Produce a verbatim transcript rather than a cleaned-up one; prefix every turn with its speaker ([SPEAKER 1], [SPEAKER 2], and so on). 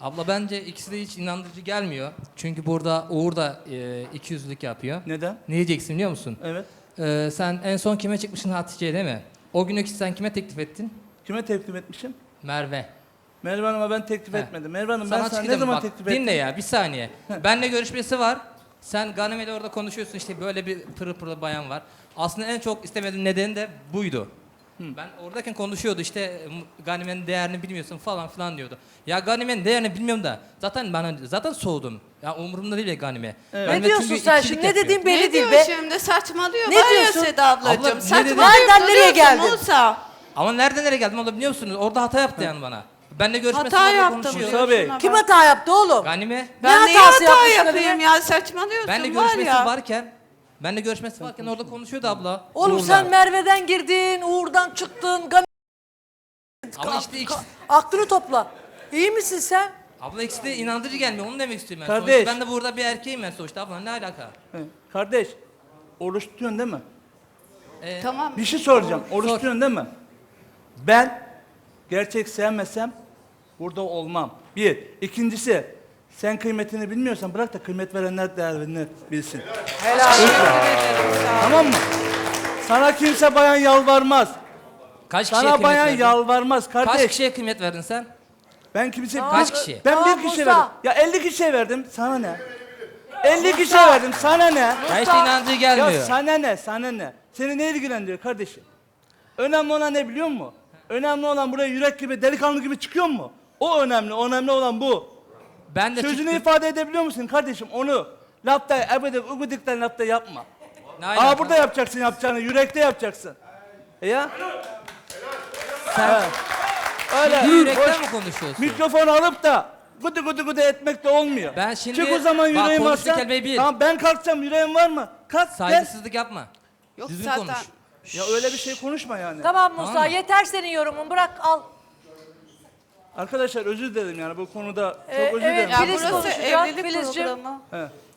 [SPEAKER 1] Abla bence ikisi de hiç inandırıcı gelmiyor. Çünkü burada Uğur da e, ikiyüzlülük yapıyor.
[SPEAKER 2] Neden?
[SPEAKER 1] Ne diyeceksin biliyor musun?
[SPEAKER 2] Evet.
[SPEAKER 1] Ee, sen en son kime çıkmışsın Hatice'ye değil mi? O günü sen kime teklif ettin?
[SPEAKER 2] Kime teklif etmişim?
[SPEAKER 1] Merve.
[SPEAKER 2] Merve Hanım'a ben teklif
[SPEAKER 1] He.
[SPEAKER 2] etmedim. Merve Hanım ben sana ne
[SPEAKER 1] çıkacağım,
[SPEAKER 2] zaman
[SPEAKER 1] bak,
[SPEAKER 2] teklif ettim?
[SPEAKER 1] dinle ya bir saniye. Benle görüşmesi var. Sen Ganime'yle orada konuşuyorsun işte böyle bir pırıl pırıl bayan var. Aslında en çok istemediğim nedeni de buydu. Ben oradayken konuşuyordu işte Ganime'nin değerini bilmiyorsun falan filan diyordu. Ya Ganime'nin değerini bilmiyorum da zaten ben zaten soğudum. Ya umurumda değil ya Ganime.
[SPEAKER 2] Evet.
[SPEAKER 1] Ben
[SPEAKER 3] Ne
[SPEAKER 1] de
[SPEAKER 3] diyorsun
[SPEAKER 1] çünkü
[SPEAKER 3] sen
[SPEAKER 1] ikilik
[SPEAKER 3] şimdi? Ne
[SPEAKER 1] yapıyor.
[SPEAKER 3] dediğin belli
[SPEAKER 4] Ne
[SPEAKER 3] değil
[SPEAKER 4] diyor
[SPEAKER 3] be.
[SPEAKER 4] şimdi? Saçmalıyor.
[SPEAKER 3] Ne
[SPEAKER 4] Var ya
[SPEAKER 3] diyorsun?
[SPEAKER 4] Seda ablacığım.
[SPEAKER 1] Abla, ne
[SPEAKER 4] Saçmalıyor.
[SPEAKER 3] Nereden nereye geldin?
[SPEAKER 4] Musa.
[SPEAKER 1] Ama nereden nereye geldim onu biliyor musunuz? Orada hata yaptı yani bana. Benle görüşmesi
[SPEAKER 4] Hata
[SPEAKER 1] var,
[SPEAKER 4] yaptım.
[SPEAKER 1] konuşuyor.
[SPEAKER 2] Musa Bey.
[SPEAKER 4] Şuna
[SPEAKER 3] Kim
[SPEAKER 4] bak.
[SPEAKER 3] hata yaptı oğlum?
[SPEAKER 1] Ganime.
[SPEAKER 4] Ben
[SPEAKER 3] Ne
[SPEAKER 4] niye
[SPEAKER 3] hatası
[SPEAKER 4] hata
[SPEAKER 3] yapmış
[SPEAKER 4] yapayım
[SPEAKER 3] Ganime?
[SPEAKER 4] ya? Saçmalıyorsun
[SPEAKER 1] Benle
[SPEAKER 4] var
[SPEAKER 1] görüşmesi
[SPEAKER 4] ya.
[SPEAKER 1] varken benle görüşmesi varken orada konuşuyordu abla.
[SPEAKER 3] Oğlum
[SPEAKER 1] Uğur'la.
[SPEAKER 3] sen Merve'den girdin, Uğur'dan çıktın. Gan-
[SPEAKER 1] Ama işte ikisi,
[SPEAKER 3] Aklını topla. İyi misin sen?
[SPEAKER 1] abla ikisi de inandırıcı gelmiyor. Onu demek istiyorum ben.
[SPEAKER 2] Kardeş.
[SPEAKER 1] Sonuçta ben de burada bir erkeğim ben sonuçta abla. Ne alaka?
[SPEAKER 2] He. Kardeş, oruç tutuyorsun değil mi?
[SPEAKER 1] Ee,
[SPEAKER 4] Tamam.
[SPEAKER 2] Bir şey soracağım. Oruç
[SPEAKER 1] Sor.
[SPEAKER 2] tutuyorsun değil mi? Ben gerçek sevmesem burada olmam. Bir. İkincisi, sen kıymetini bilmiyorsan bırak da kıymet verenler değerini bilsin.
[SPEAKER 3] Helal.
[SPEAKER 2] Tamam mı? Sana kimse bayan yalvarmaz.
[SPEAKER 1] Kaç kişiye
[SPEAKER 2] Sana
[SPEAKER 1] kıymet
[SPEAKER 2] bayan
[SPEAKER 1] verdin?
[SPEAKER 2] yalvarmaz kardeş.
[SPEAKER 1] Kaç kişiye kıymet verdin sen?
[SPEAKER 2] Ben kimse...
[SPEAKER 1] Kaç kişi?
[SPEAKER 2] Ben
[SPEAKER 3] Tamam,
[SPEAKER 2] bir kişiye
[SPEAKER 3] Musa.
[SPEAKER 2] verdim. Ya elli kişiye verdim. Sana ne? elli kişiye verdim. Sana ne?
[SPEAKER 1] Ya işte inandırıcı gelmiyor.
[SPEAKER 2] Ya sana ne? Sana ne? Seni ne ilgilendiriyor kardeşim? Önemli olan ne biliyor musun? Önemli olan buraya yürek gibi, delikanlı gibi çıkıyor mu? O önemli. Önemli olan bu.
[SPEAKER 1] Ben de
[SPEAKER 2] Sözünü
[SPEAKER 1] çıktım.
[SPEAKER 2] ifade edebiliyor musun kardeşim? Onu lafta, ebedik, ugudikten lafta yapma.
[SPEAKER 1] Ne alaka?
[SPEAKER 2] Aa burada yapacaksın yapacağını, yürekte yapacaksın. E ya?
[SPEAKER 1] Sen
[SPEAKER 2] Öyle.
[SPEAKER 1] şimdi yürekten
[SPEAKER 2] boş
[SPEAKER 1] mi konuşuyorsun?
[SPEAKER 2] mikrofonu alıp da gıdı gıdı gıdı etmek de olmuyor.
[SPEAKER 1] Ben şimdi-
[SPEAKER 2] Çık o zaman
[SPEAKER 1] bak,
[SPEAKER 2] yüreğim
[SPEAKER 1] konuştuğun
[SPEAKER 2] varsa.
[SPEAKER 1] kelimeyi bil.
[SPEAKER 2] Tamam ben kalksam yüreğim var mı? Kalk gel.
[SPEAKER 1] Saygısızlık yapma.
[SPEAKER 4] Yok
[SPEAKER 1] Düzgün
[SPEAKER 4] zaten.
[SPEAKER 1] konuş.
[SPEAKER 2] Ya öyle bir şey konuşma yani.
[SPEAKER 3] Tamam Musa,
[SPEAKER 1] Tamam mı?
[SPEAKER 3] yeter senin yorumun. Bırak al.
[SPEAKER 2] Arkadaşlar özür dilerim yani bu konuda çok
[SPEAKER 3] Ee,
[SPEAKER 2] özür
[SPEAKER 3] evet,
[SPEAKER 2] dilerim.
[SPEAKER 4] Ya
[SPEAKER 3] Filiz
[SPEAKER 4] burası
[SPEAKER 3] konuşacak,
[SPEAKER 4] evlilik
[SPEAKER 3] Filizciğim.
[SPEAKER 4] programı.
[SPEAKER 2] He.